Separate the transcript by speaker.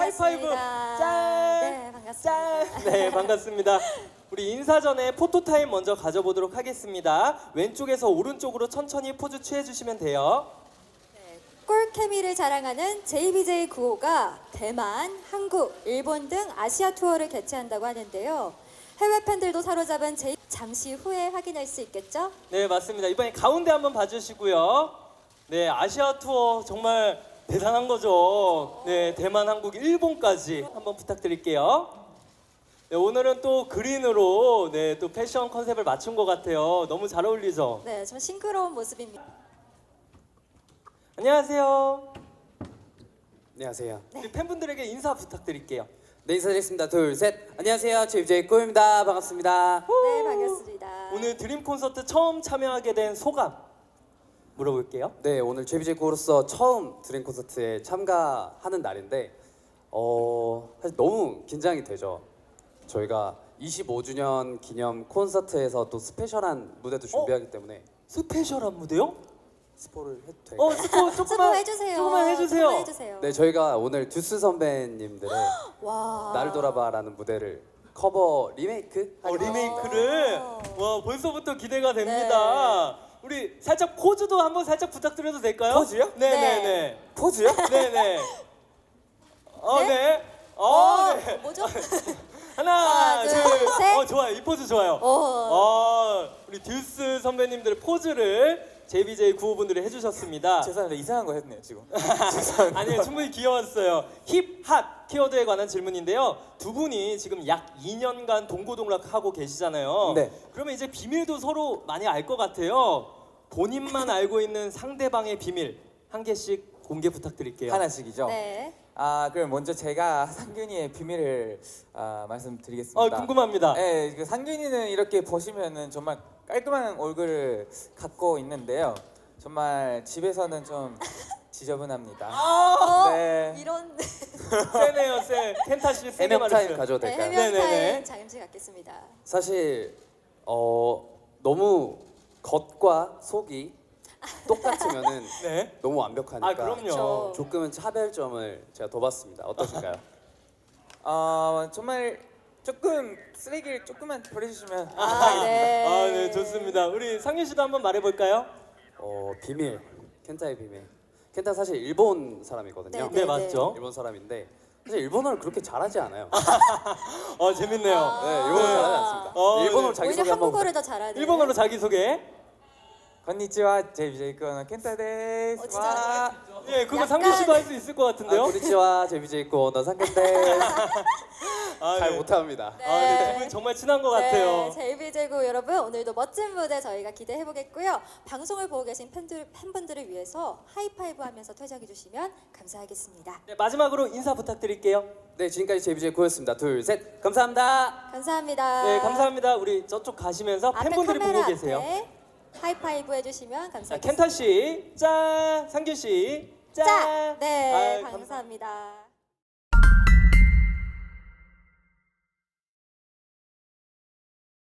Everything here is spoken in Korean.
Speaker 1: 하이파이브. 짠.
Speaker 2: 네, 반갑습니다.
Speaker 1: 짠. 네, 반갑습니다. 우리 인사 전에 포토타임 먼저 가져보도록 하겠습니다. 왼쪽에서 오른쪽으로 천천히 포즈 취해주시면 돼요.
Speaker 2: 네, 꿀 케미를 자랑하는 JBJ95가 대만, 한국, 일본 등 아시아 투어를 개최한다고 하는데요. 해외 팬들도 사로잡은 잠시 후에 확인할 수 있겠죠?
Speaker 1: 네, 맞습니다. 이번에 가운데 한번 봐주시고요. 네, 아시아 투어 정말 대단한 거죠. 네, 대만, 한국, 일본까지 한번 부탁드릴게요. 네, 오늘은 또 그린으로 네, 또 패션 컨셉을 맞춘 것 같아요. 너무 잘 어울리죠?
Speaker 2: 네, 좀 싱그러운 모습입니다.
Speaker 1: 안녕하세요.
Speaker 3: 안녕하세요.
Speaker 1: 우리 팬분들에게 인사 부탁드릴게요.
Speaker 3: 네, 인사드리겠습니다. 둘, 셋. 안녕하세요. JBJ95입니다. 반갑습니다.
Speaker 2: 네, 반갑습니다.
Speaker 1: 오늘 드림 콘서트 처음 참여하게 된 소감 물어볼게요.
Speaker 3: 네, 오늘 JBJ95로서 처음 드림 콘서트에 참가하는 날인데 사실 너무 긴장이 되죠. 저희가 25주년 기념 콘서트에서 또 스페셜한 무대도 준비하기 때문에
Speaker 1: 스페셜한 무대요?
Speaker 3: 스포를 해도 될까요?
Speaker 1: 스포 조금만
Speaker 2: 해주세요.
Speaker 1: 조금만 해주세요.
Speaker 2: 조금만 해주세요.
Speaker 3: 네, 저희가 오늘 듀스 선배님들의
Speaker 2: 와.
Speaker 3: 날 돌아봐라는 무대를 커버 리메이크?
Speaker 1: 리메이크를 와 벌써부터 기대가 됩니다. 우리 살짝 포즈도 한번 살짝 부탁드려도 될까요?
Speaker 3: 포즈요?
Speaker 1: 네네네.
Speaker 3: 포즈요?
Speaker 1: 네네.
Speaker 2: 네?
Speaker 1: 네. 네.
Speaker 2: 뭐죠?
Speaker 1: 하나,
Speaker 2: 하나,
Speaker 1: 둘,
Speaker 2: 둘, 셋.
Speaker 1: 좋아요. 이 포즈 좋아요. 우리 듀스 선배님들의 포즈를 JBJ95 분들이 해주셨습니다.
Speaker 4: 죄송합니다. 이상한 거 했네요 지금.
Speaker 1: 아니요, 충분히 귀여웠어요. 힙, 핫 키워드에 관한 질문인데요. 두 분이 지금 약 2년간 동고동락하고 계시잖아요.
Speaker 3: 네.
Speaker 1: 그러면 이제 비밀도 서로 많이 알 것 같아요. 본인만 알고 있는 상대방의 비밀 한 개씩 공개 부탁드릴게요.
Speaker 4: 하나씩이죠.
Speaker 2: 네.
Speaker 4: 그럼 먼저 제가 상균이의 비밀을 말씀드리겠습니다.
Speaker 1: 궁금합니다.
Speaker 4: 네, 그 상균이는 이렇게 보시면은 정말 깔끔한 얼굴을 갖고 있는데요. 정말 집에서는 좀 지저분합니다. 네.
Speaker 2: 이런
Speaker 1: 세네요, 세. 켄타 씨 세게
Speaker 3: 해명 타임
Speaker 1: 말했어요.
Speaker 3: 가져도
Speaker 2: 네,
Speaker 3: 될까요?
Speaker 2: 해명
Speaker 1: 네네네.
Speaker 2: 타임 잠시 갖겠습니다.
Speaker 3: 사실 너무 겉과 속이 똑같으면은
Speaker 1: 네.
Speaker 3: 너무 완벽하니까
Speaker 1: 그럼요.
Speaker 2: 그쵸.
Speaker 3: 조금은 차별점을 제가 둬봤습니다. 어떠실까요?
Speaker 4: 정말 조금 쓰레기를 조금만 버려주시면
Speaker 2: 네.
Speaker 1: 네, 좋습니다. 우리 상윤 씨도 한번 말해볼까요?
Speaker 3: 비밀, 켄타의 비밀. 켄타 사실 일본 사람이거든요.
Speaker 1: 네, 맞죠.
Speaker 3: 일본 사람인데 사실 일본어를 그렇게 잘하지 않아요.
Speaker 1: 재밌네요.
Speaker 3: 네, 일본어 잘하지 않습니다.
Speaker 1: 네.
Speaker 3: 일본어로
Speaker 2: 오히려
Speaker 3: 자기소개 한번
Speaker 2: 한국어를 더 잘하는.
Speaker 1: 일본어로 자기소개.
Speaker 4: 건니치와 JBJ95 켄타 데스.
Speaker 2: 진짜
Speaker 1: 예, 그거
Speaker 2: 약간-
Speaker 1: 상규 씨도 할 수 있을 것 같은데요?
Speaker 3: 고니치와 JBJ95 너 상견데 잘
Speaker 1: 네.
Speaker 3: 못합니다.
Speaker 1: 네, 두 분 정말 친한 것 같아요.
Speaker 2: 네, JBJ95 여러분 오늘도 멋진 무대 저희가 기대해 보겠고요. 방송을 보고 계신 팬분들을 위해서 하이파이브 하면서 퇴장해 주시면 감사하겠습니다.
Speaker 1: 네, 마지막으로 인사 부탁드릴게요.
Speaker 3: 네, 지금까지 JBJ9였습니다. 둘, 셋, 감사합니다.
Speaker 2: 감사합니다.
Speaker 1: 네, 감사합니다. 우리 저쪽 가시면서
Speaker 2: 앞에
Speaker 1: 팬분들이
Speaker 2: 카메라
Speaker 1: 보고 계세요.
Speaker 2: 앞에 하이파이브 해주시면
Speaker 1: 자,
Speaker 2: 감사하겠습니다.
Speaker 1: 켄타 씨, 짠. 상규 씨, 짠.
Speaker 2: 네,
Speaker 1: 감사합니다.
Speaker 2: 감사합니다.